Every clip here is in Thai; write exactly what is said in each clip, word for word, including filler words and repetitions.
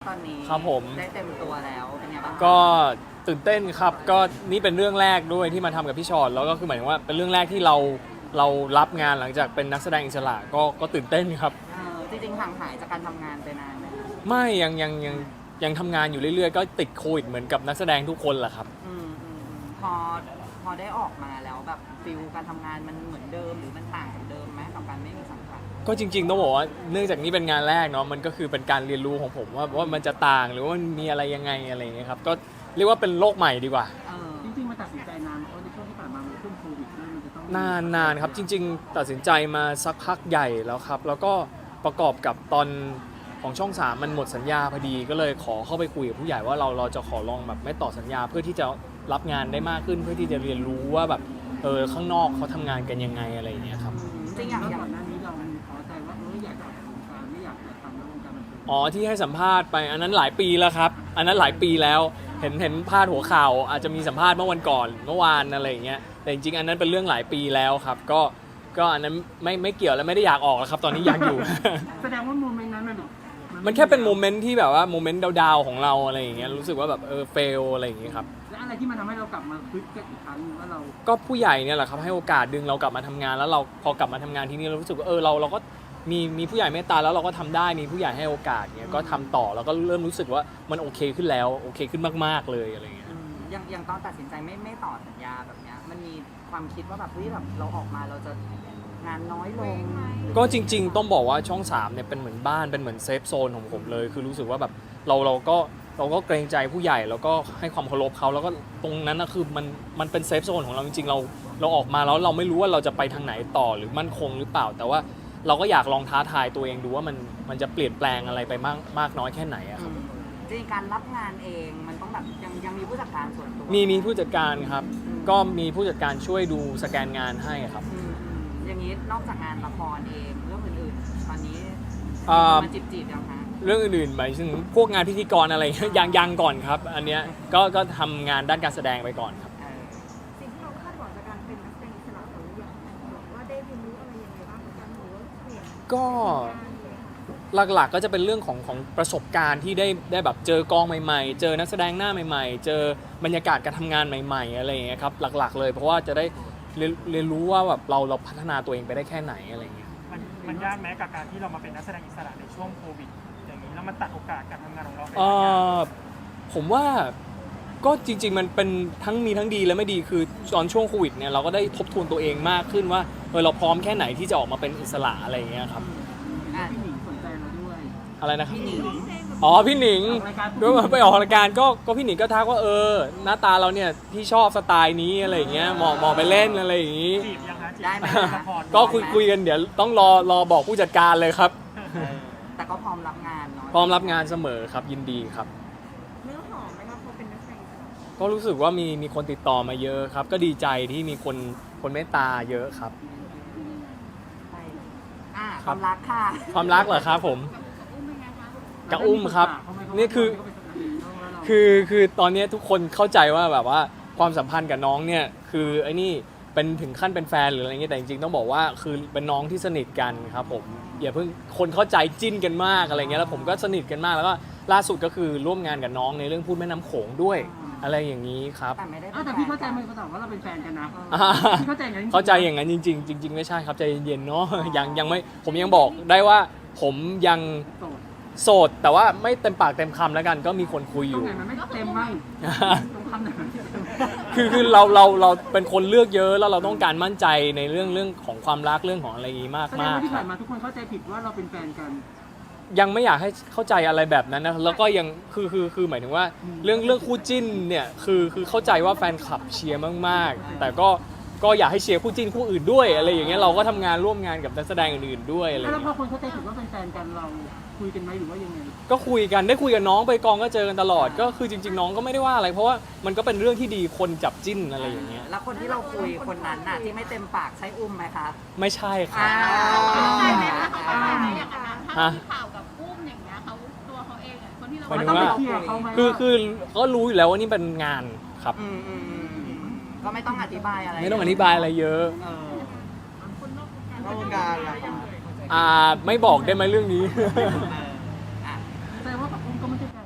ตอนนี้ครับผมได้เต็มตัวแล้วเป็นไงบ้างก็ตื่นเต้นครับก็นี่เป็นเรื่องแรกด้วยที่มาทำกับพี่ชอตแล้วก็คือหมายถึงว่าเป็นเรื่องแรกที่เราเรารับงานหลังจากเป็นนักแสดงอิสระก็ก็ตื่นเต้นครับเออจริงๆห่างหายจากการทำงานไปนานไหมคะไม่ยังยังยังยังทำงานอยู่เรื่อยๆ ก็ติดโควิดเหมือนกับนักแสดงทุกคนแหละครับอืมอืมอืมพอพอได้ออกมาแล้วแบบฟิลการทำงานมันเหมือนเดิมหรือมันต่างจากเดิมไหมกับการไม่มีสังกัดก็จริงๆต้องบอกว่าเนื่องจากนี้เป็นงานแรกเนาะมันก็คือเป็นการเรียนรู้ของผมว่าว่ามันจะต่างหรือว่ามันมีอะไรยังไงอะไรอย่างเงี้ยครับก็เรียกว่าเป็นโลกใหม่ดีกว่าเออจริงๆมันตัดสินใจนานเพราะในช่วงที่ผ่านมามันช่วงโควิดด้วยมันจะต้องนานนานครับจริงๆ ตัดสินใจมาสักพักใหญ่แล้วครับแล้วก็ประกอบกับตอนของช่องสามมันหมดสัญญาพอดีก็เลยขอเข้าไปคุยกับผู้ใหญ่ว่าเราเราจะขอลองแบบไม่ต่อสัญญาเพื่อที่จะรับงานได้มากขึ้นเพื่อที่จะเรียนรู้ว่าแบบเออข้างนอกเขาทำงานกันยังไงอะไรอย่างเงี้ยครับจริงๆอย่างแล้วอย่างก่อนหน้านี้เราขอใจว่าเอออยากจะออกจากวงการไม่อยากจะทำในวงการบันเทิงอ๋อที่ให้สัมภาษณ์ไปอันนั้นหลายปีแล้วครับอันนั้นหลายปีแล้วเห็นเห็นพาดหัวข่าวอาจจะมีสัมภาษณ์เมื่อวันก่อนเมื่อวานอะไรอย่างเงี้ยแต่จริงๆอันนั้นเป็นเรื่องหลายปีแล้วครับก็ก็อันนั้นไม่ไม่เกี่ยวและไม่ได้อยากออกแล้วครับตอนนี้อยากอยู่แสดงว่าโมเมนต์นั้นมันมันแค่เป็นโมเมนต์ที่แบบว่าโมเมนต์ดาวๆของเราอะไรอย่างเงี้ยรู้สึกว่าแบบเออเฟลอะไรอย่างเงี้ยครับและอะไรที่มันทำให้เรากลับมาคึกกันอีกครั้งว่าเราก็ผู้ใหญ่เนี่ยแหละครับให้โอกาสดึงเรากลับมาทำงานแล้วเราพอกลับมาทำงานที่นี่เรารู้สึกว่าเออเราเราก็มีมีผู้ใหญ่เมตตาแล้วเราก็ทำได้มีผู้ใหญ่ให้โอกาสเงี้ยก็ทำต่อแล้วก็เริ่มรู้สึกว่ามันโอเคขึ้นแล้วโอเคขึ้นมากๆเลยอะไรเงี้ยอืมอย่างอย่างตอนตัดสินใจไม่ไม่ต่อสัญญาแบบเนี้ยมันมีความคิดว่าแบบเฮ้ยแบบเราออกมาเราจะงานน้อยลงก็จริงๆต้องบอกว่าช่องสามเนี่ยเป็นเหมือนบ้านเป็นเหมือนเซฟโซนของผมเลยคือรู้สึกว่าแบบเราเราก็เราก็เกรงใจผู้ใหญ่แล้วก็ให้ความเคารพเขาแล้วก็ตรงนั้นนะคือมันมันเป็นเซฟโซนของเราจริงๆเราเราออกมาแล้วเราไม่รู้ว่าเราจะไปทางไหนต่อหรือมั่นคงหรือเปล่า แต่ว่าเราก็อยากลองท้าทายตัวเองดูว่ามันมันจะเปลี่ยนแปลงอะไรไปมากมากน้อยแค่ไหนอะครับอืมจริงๆการรับงานเองมันต้องแบบยังยังมีผู้จัดการส่วนตัวมีมีผู้จัดการครับก็มีผู้จัดการช่วยดูสแกนงานให้ครับอืมอืมอย่างนี้นอกจากงานละครเองเรื่องอื่นๆตอนนี้อ่ามันจีบจีบยังคะเรื่องอื่นๆหมายถึงพวกงานพิธีกรอะไร ยังยังก่อนครับอันเนี้ยก็ก็ทำงานด้านการแสดงไปก่อนครับเออสิ่งที่เราคาดหวังจากการเป็นนักแสดงอิสระของเราอย่างแบบว่าได้เรียนรู้อะไรยังไงบ้างกับการหรือว่าเปลี่ยนก็ หลักๆก็จะเป็นเรื่องของของประสบการณ์ที่ได้ได้แบบเจอกองใหม่ๆ เจอนักแสดงหน้าใหม่ๆ เจอบรรยากาศการทำงานใหม่ๆอะไรอย่างเงี้ยครับหลักๆเลยเพราะว่าจะได้เรียนเรียนรู้ว่าแบบเราเราพัฒนาตัวเองไปได้แค่ไหนอะไรอย่างเงี้ยมันมันยากไหมกับการที่เรามาเป็นนักแสดงอิสระในช่วงโควิดอย่างนี้แล้วมันตัดโอกาสการทำงานของเราไปเออผมว่าก็จริงๆมันเป็นทั้งมีทั้งดีและไม่ดีคือตอนช่วงโควิดเนี่ยเราก็ได้ทบทวนตัวเองมากขึ้นว่าเออเราพร้อมแค่ไหนที่จะออกมาเป็นอิสระอะไรอย่างเงี้ยครับอ่ะพี่หนิงสนใจเราด้วยอะไรนะครับพี่หนิงอ๋อพี่หนิงออกรายการด้วยไปออกรายการก็ก็พี่หนิงก็ทักว่าเออหน้าตาเราเนี่ยที่ชอบสไตล์นี้อะไรอย่างเงี้ยเหมาะเหมาะไปเล่นอะไรอย่างงี้จีบยังคะจีบได้ไหมละครก็คุยคุยกันเดี๋ยวต้องรอรอบอกผู้จัดการเลยครับเออแต่ก็พร้อมรับงานเนาะพร้อมรับงานเสมอครับยินดีครับเนื้อหอมไหมครับพอเป็นนักแสดงอิสระก็รู้สึกว่ามีมีคนติดต่อมาเยอะครับ ก็ดีใจที่มีคนคนเมตตาเยอะครับไปอ่ะความรักค่ะความรักเหรอครับผมอุ้มเป็นไงคะกับอุ้มครับนี่คือ คือคือตอนนี้ทุกคนเข้าใจว่าแบบว่าความสัมพันธ์กับน้องเนี่ยคือไอ้นี่เป็นถึงขั้นเป็นแฟนหรืออะไรเงี้ยแต่จริงๆต้องบอกว่าคือเป็นน้องที่สนิทกันครับผมอย่าเพิ่งคนเข้าใจจิ้นกันมากอะไรเงี้ยแล้วผมก็สนิทกันมากแล้วก็ล่าสุดก็คือร่วมงานกับน้องในเรื่องพูดแม่น้ำโขงด้วยอะไรอย่างนี้ครับแต่ไม่ได้ป็นอ้าวแต่พี่เข้าใจมันเขาบอกว่าเราเป็นแฟนกันนะอ่าพี่เข้าใจอย่างนั้นเข้าใจอย่างนั้นจริง ๆ จริง ๆ ไม่ใช่ครับใจเย็นๆเนาะ ยังยังไม่ผมยังบอกได้ว่าผมยังโสดโสดแต่ว่าไม่เต็มปากเต็มคำแล้วกันก็มีคนคุยอตรงยู่ไหนมันไม่เต็มบ้างตรงคำไหนมันไม่เต็มคือคือเราเราเราเป็นคนเลือกเยอะแล้วเราต้องการมั่นใจในเรื่องเรื่องของความรักเรื่องของอะไรอย่างนี้มากแสดงมากว่าที่ครัผ่าบนมาทุกคนเข้าใจผิดว่าเราเป็นแฟนกันยังไม่อยากให้เข้าใจอะไรแบบนั้นนะแล้วก็ยังคือคือคือหมายถึงว่าเรื่องเรื่องคู่จิ้นเนี่ยคือคือเข้าใจว่าแฟนคลับเชียร์มากๆ แต่ก็ก็อยากให้เชียร์คู่จิ้นคู่อื่นด้วยอะไรอย่างเงี้ยเราก็ทำงานร่วมงานกับนักแสดงอื่นๆด้วยอะไรอย่างแล้วพเงี้อย คนเข้าใจผิดว่าเป็นแฟนกันเราคุยกันไหมหรือว่ายังไงก็คุยกันได้คุยกับน้องไปกองก็เจอกันตลอดก็คือจริง ๆ น้องก็ไม่ได้ว่าอะไร เพราะว่ามันก็เป็นเรื่องที่ดีคนจับจิ้นอะไรอย่างเงี้ยแล้วคนที่เราคุยคนนั้นน่ะที่ไม่เต็มปากใช้อุ้มไหมคะไม่ใช่ครัอ้าบวใช่ไหมคะเขาเข้าใจไหมอย่างนั้นถ้าฮะมีข่าวกับอุ้มอย่างเงี้ยเขาตัวเขาเองอะคนที่เราหมายถึงต้องว่าไปเคลียร์เขาไหมคือว่าคือก็รู้อยู่แล้วว่านี่เป็นงานครับอืมอืมอืมอืมก็ไม่ต้องอธิบายอะไรไม่ต้องอธิบายอะไรเยอะเออคนนอกวงการนอกวงการล่ะคะอ่าไม่บอกได้ไหมเรื่องนี้เอออ่ะแสดงว่ากับอุ้มก็ไม่ใช่แฟน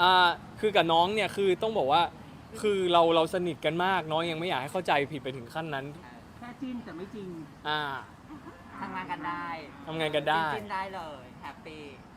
อ่าคือกับน้องเนี่ยคือต้องบอกว่าคือเราเราสนิทกันมากน้องยังไม่อยากให้เข้าใจผิดไปถึงขั้นนั้นแค่จิ้นแต่ไม่จริงอ่าทำงานกันได้ทำงานกันได้จิ้นๆได้เลยแฮปปี้